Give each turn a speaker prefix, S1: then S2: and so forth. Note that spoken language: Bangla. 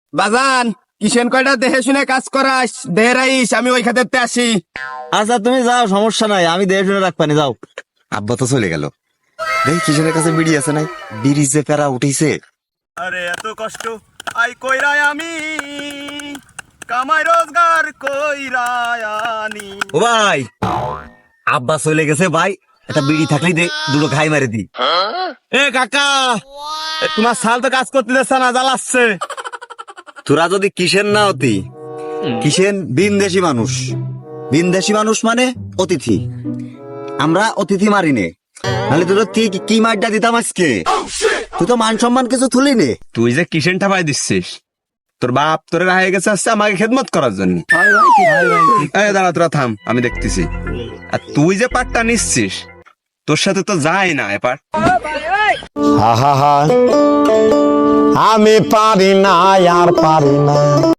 S1: বাজান কিষেন কয়টা দেখে শুনে কাজ করাস দেহে রাইস, আমি ওই খাতে আসি।
S2: আচ্ছা তুমি যাও, সমস্যা নাই, আমি দেখে শুনে রাখবানি, যাও।
S3: আব্বা তো চলে গেল। দেখি কিষেনের কাছে বিড়ি আছে নাই, বিড়ি যে প্যারা উঠেছে।
S1: আরে এত কষ্ট আই কইরাই আমি কামাই রোজগার কইরাই আনি।
S2: ও ভাই, আব্বা চলে গেছে ভাই, একটা বিড়ি থাকলেই দে, দুটো খাই মারে দি।
S1: এ কাকা, তোমার সাল তো কাজ করতে দিচ্ছে না, জ্বালাচ্ছে।
S2: তোরা যদি কিসেন না হতি, কিসেন বিনদেশি মানুষ, বিনদেশি মানুষ মানে অতিথি, আমরা অতিথি মারি নে, নাহলে তোর কি মারটা দিতাম আজকে। তুই তো মান সম্মান কিছু তুলি নে।
S1: তুই যে কিষেন ঠাপাই দিচ্ছিস, তোর বাপ তোরে রাহে গেছে আসছে আমাকে খেদমত করার জন্য। দাঁড়া, তোরা থাম, আমি দেখতেছি। আর তুই যে পাটটা নিচ্ছিস, তোর সাথে তো যায় না এ পাট।
S4: আমি পারি না আর পারি না।